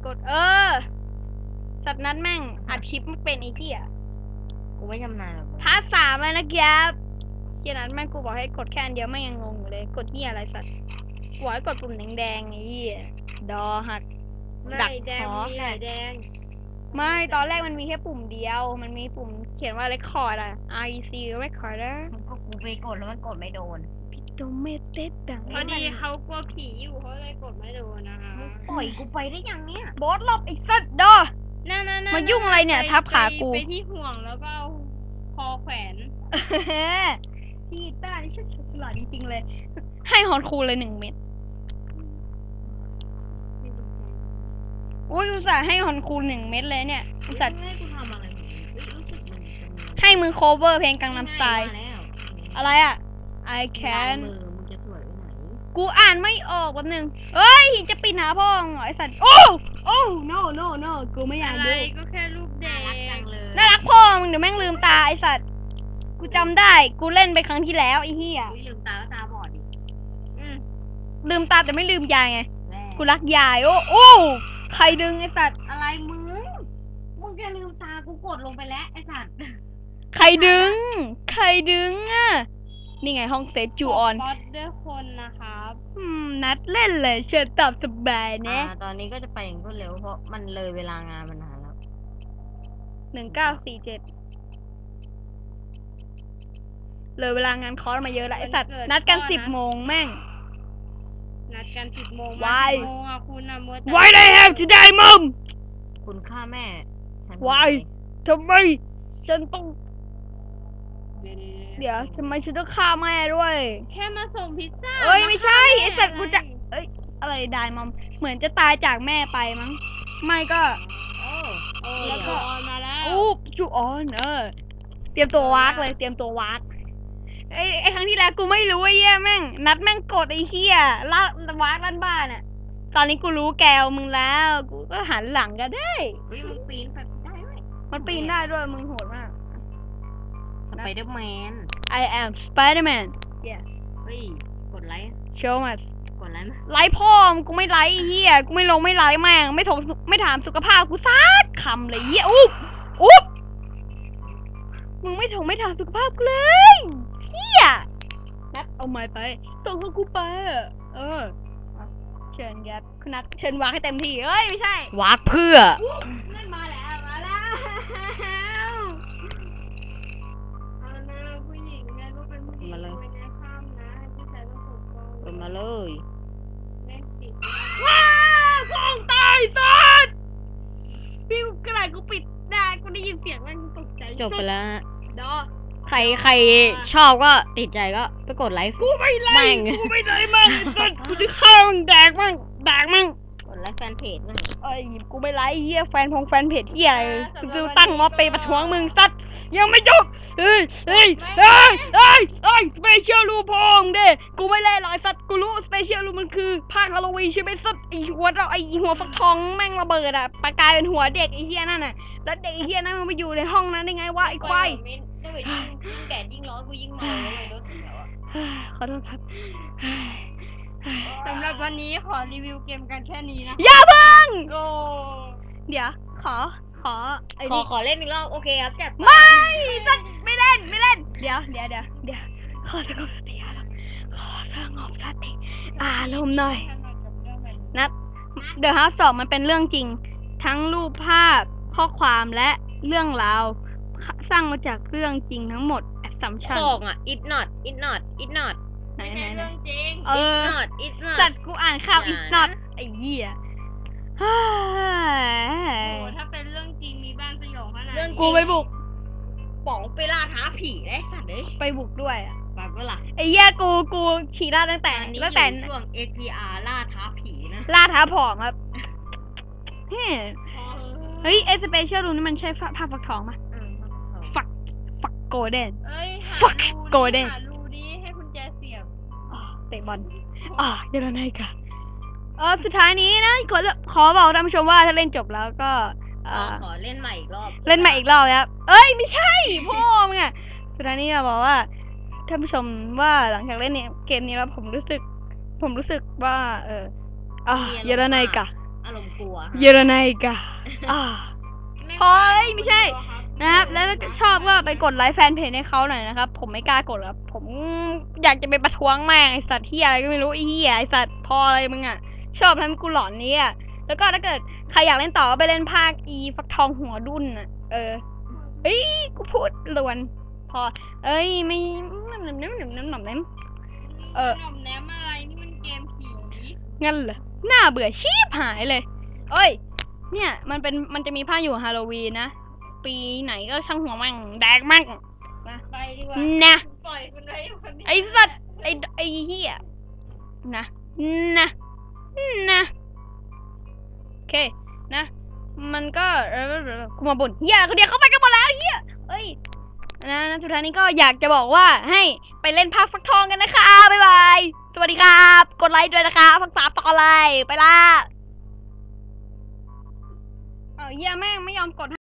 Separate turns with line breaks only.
กดสัตว์นั้นแม่งอัดคลิปมันเป็นไอ้เหี้ย
กูไม่ชำนาญหรอก
พาร์ท 3เลยนะครับเหี้ยนั้นแม่งกูบอกให้กดแค่อันเดียวแม่งยังงงอยู่เลยกดเหี้ยอะไรสัตว์กูบอกให้กดปุ่มแดงๆไอ้เหี้ยดอหักดัก
แดง
หอ
มีหลายแดง
ไม่ตอนแรกมันมีแค่ปุ่มเดียวมันมีปุ่มเขียนว่า record อะ REC recorder
ก็กูไปกดแล้วมันกดไม่โดน
โดเมเต็ดดัง
พอดีเขากลัวผีอยู่เขาเลยกดไม่โดนนะคะ
ปล่อยกูไปได้ยังเนี่ย
บอสหลบไอ้สัตว์ดอ
นั่นๆๆ
มายุ่งอะไรเนี่ยทับขากู
ไปที่ห่วงแล้วก็เอาคอแขวน
พี่ต้านี่ช่างฉลาดจริงๆเลย ให้ฮอนคูเลย1 เม็ดอุ้ยอุตส่าห์ให้ฮอนคู1 เม็ดเลยเนี่ยอุตส่าห์
ให้กูทำอะไรรู้สึกมัน
ให้มึง cover เพลงกังนำสไตล์
มาแล้ว
อะไรอะ I can
มือมึงจะสวยไปไหน
กูอ่านไม่ออกแป๊บนึงเอ้ยจะปิดหาพ่อมึงเหรอไอสัตว์โอ้ no no no กูไม่อยาก
อะไร
ดู
ก็แค่รูปแด
น่ารักจั
ง
งเลย
น่ารักพ่อมึงเดี๋ยวแม่งลืมตาไอสัตว์กูจำได้กูเล่นไปครั้งที่แล้วไอ้เหี้ย
อุ๊ยลืมตาแล้วตาบอดดิ
ลืมตาแต่ไม่ลืมยายไง
แม่
กูรักยายโอ้ใครดึงไอสัตว์
อะไรมึงจะลืมตากูกดลงไปแล้วไอ้สัตว์
ใครดึงอ่ะนี่ไงห้องเซฟจูออน
บอสด้วยคนนะครับ
นัดเล่นเลยเชิญตามสบายนะ
ตอนนี้ก็จะไปอย่างรวดเร็วเพราะมันเลยเวลางานมานานแล้ว
1947เลยเวลางานคอร์สมาเยอะแล้วไอสัตว์นัดกัน10 โมงแม่ง
นัดกัน10 โมง
Why?
10 โมงอะคุณอะมัวแต่
Why they have today mom
คุณฆ่าแม่ฉัน
Why? ทำไมฉันต้องเดี๋ยวทำไมฉันต้องฆ่าแม่ด้วย
แค่มาส่งพิซซ่า
เอ้ยไม่ใช่
าฆ่าแม่
ไอสัตว์กูจะ
อไร
อะไรได้มอมเหมือนจะตายจากแม่ไปมั้งไม่ก็
แล้วก็ออนมาแล้ว
อู้จูออนเตรียมตัววากเลยเตรียมตัววากไอครั้งที่แล้วกูไม่รู้ไอ้เหี้ยแม่งนัดแม่งกดไอ้เหี้ยล่าวากลั่นบ้านอ่ะตอนนี้กูรู้แกวมึงแล้วกูก็หันหลังก็ได้
เฮ้ยมันปีนไปได้ไหม
มันปีนได้ด้วยมึงโหดมาก
สไปเดอร์แมน
I am Spider-Man
เฮ้ยกดไลค์
show us
กดไลค์ไหม
ไลค์พ่อมงกูไม่ไลค์ไอ้เหี้ยกูไม่ลงไม่ไลค์แม่งไม่ถามสุขภาพกูสักคำเลยเหี้ยอุ๊บมึงไม่ถามสุขภาพกูเลยเหี้ยนัดเอาไม้ไปส่งให้กูไปเชิญยัดคุณนัดเชิญวางให้เต็มที่เอ้ยไม่ใช่
วากเพื่อ
นั่นมาแล้ว
เอานะผู้หญิงนะลูกเป็นผู้หญิง
มาเลย
ไม่ได้ข้ามนะผู้ชายต้องปกป้อง
กดมาเลย
แม่งติด
ว้าวกองตายสัสพี่กระดาษกูปิดได้กูได้ยินเสียงแม่งตกใจ
จบไปแล้วฮะ
ดอ
ใครชอบก็ติดใจก็ไปกดไลค์
กูไม่ไล่
แม่ง
กูไม่ไล่มั่งไอ้สัสกูจะฆ่ามึงแดกมั่ง
กดไลค์แฟนเพจมั่ง
เอ้ยกูไม่ไล่เหี้ยแฟนเพจเหี้ยอะไรกูจะตั้งม็อบไปประท้วงมึงสัสยังไม่จบเฮ้ยสเปเชียลรูพองเด้กูไม่เล่นหรอกไอ้สัสกูรู้สเปเชียลรูมันคือภาคฮาโลวีนใช่ไหมสัสไอหัวฟักทองแม่งระเบิดอะประกายเป็นหัวเด็กไอ้เหี้ยนั่นน่ะแล้วเด็กไอ้เหี้ยนั่นมันไปอยู่ในห้องนั้นได้ไงวะไอ้ควาย
ถ้าเกิดยิ่งแก่ยิ่งร้อนกูยิ่งเมาเลยรถเสียวอ่ะ
ขอโทษครับ
สำหรับวันนี้ขอรีวิวเกมกันแค่นี้นะ
อย่าเพิ่ง
โอ้
เดี๋ยวขอไอ้
ขอ
นี่
ขอเล่นอีกรอบโอเคครับจัดไป
ไม่สักไม่เล่นเดี๋ยวขอสงบสติอารมณ์ขอสงบสติอารมณ์หน่อยนัดเดอะฮาร์สอบมันเป็นเรื่องจริง ทั้งรูปภาพข้อความและเรื่องราวสร้างมาจากเรื่องจริงทั้งหมด assumption
ของอ่ะ it not
ไหน
ไม่ใช่เรื่องจริง
it's not
สัตว์กูอ่านข่าว
อย่า
is not ไอ้เหี้ย
โอ้ถ้าเป็นเรื่องจริงมีบ้านสยองขนาด
เรื่อง
นี้
กูไปบุก
ป๋องไปล่าท้าผีได้สัตว์เลย
ไปบุกด้วยอะ
แบบว่าล่ะ
ไอ้เหี้ยกูฉี่ราดตั้งแต่
ตอนนี้
ตั้ง
อ
แต่
ยู่ช่วง APR ล่าท้าผีนะ
ล่าท้าผอมครับเฮ้
อ๋อ
เฮ้ยไอ้สเปเชียลรูนี่มันใช่ผ้าฟักทองปะฟักโกลเด้น
เอ้ย
Fuck
หารูดิ
Golden
หารูดิให้คุณแจเสียบ
เตะบอลเดี๋ยวเราให้ค่ะสุดท้ายนี้นะขอบอกท่านผู้ชมว่าถ้าเล่นจบแล้วก็
ขอเล่นใหม่อีกรอบ
เล่นใหม่อีกรอบแล้วเอ้ยไม่ใช่พ่อมึงอะสุดท้ายนี้จะบอกว่าท่านผู้ชมว่าหลังจากเล่นเกมนี้แล้วผมรู้สึกว่าเยอะแล้วไงกะ
อารมณ์กลัว
เยอรไนกาพอยไม่ใช่นะครับ แล้วถ้าชอบก็ไปกดไลค์แฟนเพจให้เขาหน่อยนะครับ ผมไม่กล้ากดครับ ผมอยากจะไปประท้วงแม่งไอสัตว์ที่อะไรก็ไม่รู้ไอเหี้ยไอสัตว์พออะไรมึงอ่ะ ชอบทำให้กูหลอนนี้อ่ะ แล้วก็ถ้าเกิดใครอยากเล่นต่อก็ไปเล่นภาคอีฟักทองหัวดุนอ่ะ เอ้ยกูพูดลวน พอ เอ้ยไม่น้ำ
ขนมแนมอะไรนี่มันเกมผี
งั้นเหรอน่าเบื่อชีพหายเลย เอ้ย เนี่ยมันจะมีภาคอยู่ฮาโลวีนนะ ปีไหนก็ช่างหัวมั่งแดกมั่งนะ
ไปดีกว่า
นะ
ปล่อยคุณไว้อยู่คนเดียว
ไอสัตว์ไอเหี้ยนะโอเคนะ มันก็กูมาบ่นเหี้ยเขาเดียวเข้าไปกันหมดแล้วเหี้ยเอ้ยนะสุดท้ายนี้ก็อยากจะบอกว่าให้ไปเล่นภาคฟักทองกันนะคะบ๊ายบายสวัสดีครับกดไลค์ด้วยนะคะภาค3ต่อเลยไปละเหี้ยแม่งไม่ยอมกด